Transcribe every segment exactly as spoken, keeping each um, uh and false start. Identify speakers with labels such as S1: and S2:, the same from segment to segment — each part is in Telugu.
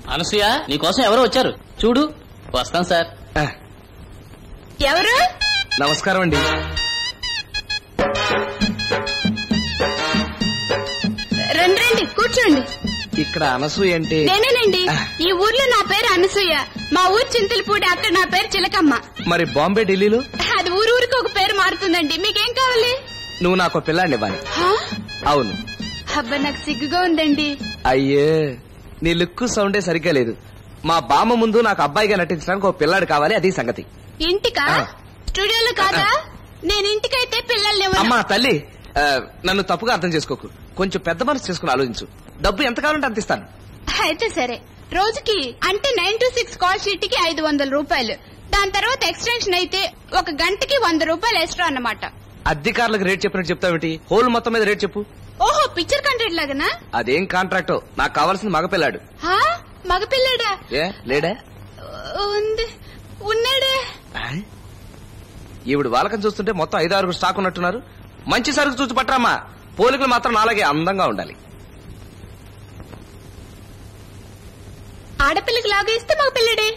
S1: అనసూయ నీకోసం ఎవరో వచ్చారు చూడు. వస్తాం సార్.
S2: ఎవరు?
S3: నమస్కారం అండి.
S2: రండి రండి కూర్చోండి.
S3: ఇక్కడ అనసూయ అంటే
S2: నేనేనండి. ఈ ఊర్లో నా పేరు అనసూయ. మా ఊరు చింతలపూడి, అక్కడ నా పేరు చిలకమ్మ.
S3: మరి బాంబే ఢిల్లీలో?
S2: అది ఊరు ఊరికి ఒక పేరు మారుతుందండి. మీకేం కావాలి?
S3: నువ్వు నాకు పిల్లాడిని ఇవ్వాలి. అవును.
S2: అబ్బా నాకు సిగ్గుగా ఉందండి.
S3: అయ్యే నీ లుక్ సౌండే సరిగ్గా లేదు. మా బామ్మ ముందు నాకు అబ్బాయిగా నటించడానికి ఒక పిల్లాడు కావాలి, అది సంగతి.
S2: ఇంటికా? స్టూడియోలో కాదా? నేను ఇంటికైతే పిల్లల్ని.
S3: అమ్మా తల్లి, నన్ను తప్పుగా అర్థం చేసుకోకు. కొంచెం పెద్ద మనసు చేసుకుని ఆలోచించు. డబ్బు ఎంత కావాలంటే అంత ఇస్తాను.
S2: అయితే సరే. రోజుకి అంటే nine to six call sheet కి ఐదు వందల రూపాయలు. దాని తర్వాత ఎక్స్టెన్షన్ అయితే ఒక గంటకి వంద రూపాయలు ఎక్స్ట్రా అన్నమాట.
S3: అధికారులకు రేట్ చెప్పినట్టు చెప్తావేంటి? హోల్ మొత్తం మీద రేట్ చెప్పు.
S2: ఓహో, పిక్చర్ కాంట్రాక్ట్ లాగానా?
S3: అదేం కాంట్రాక్టో, నాకు కావాల్సింది మగపిల్లాడు.
S2: మగపిల్లాడా?
S3: ఏ లేడా?
S2: ఉంది, ఉన్నాడే.
S3: ఈవిడ వాళ్ళకం చూస్తుంటే మొత్తం ఐదు ఆరుగురు స్టాక్ ఉన్నట్టున్నారు. మంచి సరుకు చూసి పట్టరామ్మా. పోలికలు మాత్రం నాలాగే అందంగా ఉండాలి.
S2: ఆడపిల్లకి లాగా ఇస్తే మగ పిల్లడే.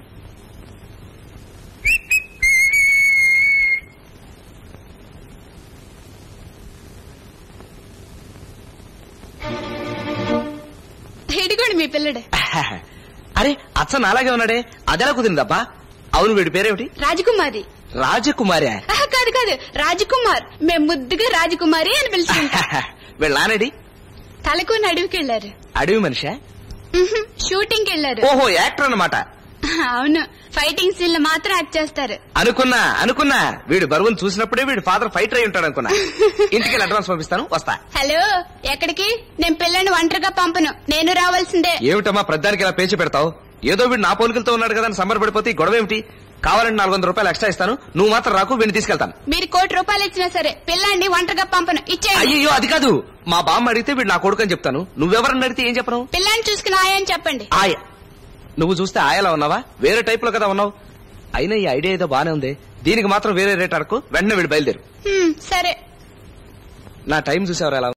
S2: ఇదిగోండి మీ పిల్లడే.
S3: అరే అచ్చ నాలాగే ఉన్నాడే, అదెలా కుదిరిందబ్బా? అవును, వీడి పేరేమిటి?
S2: రాజకుమారి.
S3: రాజకుమారి?
S2: కాదు కాదు, రాజకుమార్. మేము ముద్దుగా రాజకుమారి అని పిలుచుకుంటా.
S3: వీళ్ళ నానేడి?
S2: తలకొని అడవికి వెళ్లారు.
S3: అడవి మనిషా?
S2: షూటింగ్ వెళ్లారు.
S3: ఓహో, యాక్టర్ అన్నమాట.
S2: అవును, ఫైటింగ్ సీన్ లో మాత్రం యాక్ట్ చేస్తారు.
S3: అనుకున్నా అనుకున్నా వీడు బరువును చూసినప్పుడే వీడు ఫాదర్ ఫైటర్ అయి ఉంటాడు అనుకున్నా. ఇంటికి అడ్వాన్స్ పంపిస్తాను, వస్తా.
S2: హలో, ఎక్కడికి? నేను పిల్లని ఒంటరిగా పంపను, నేను రావాల్సిందే.
S3: ఏమిటమ్మా ప్రధానికి ఇలా పేచి పెడతావు? ఏదో వీడు నా పోలికలతో ఉన్నాడు కదా అని సంబరపడిపోతే గొడవ ఏమిటి? కావాలంటే నాలుగు వందల రూపాయలు ఎక్స్ట్రా ఇస్తాను, నువ్వు మాత్రం రాకు, వీడిని తీసుకెళ్తాను.
S2: మీరు కోటి రూపాయలు ఇచ్చినా సరే పిల్లాన్ని ఒంటరిగా పంపను, ఇచ్చేయండి.
S3: అయ్యో అది కాదు, మా బామ్మ అడిగితే వీడు నా కొడుకు అని చెప్తాను. నువ్వెవరని అడిగితే ఏం చెప్పను?
S2: పిల్లాన్ని చూసుకుని ఆయని చెప్పండి.
S3: ఆయ నువ్వు చూస్తే ఆయలా ఉన్నావా? వేరే టైప్ లో కదా ఉన్నావు. అయినా ఈ ఐడియా ఏదో బానే ఉంది. దీనికి మాత్రం వేరే రేట్ అడకు, వెంటనే వీడు బయలుదేరు.
S2: సరే.
S3: నా టైం చూసేవారు ఎలా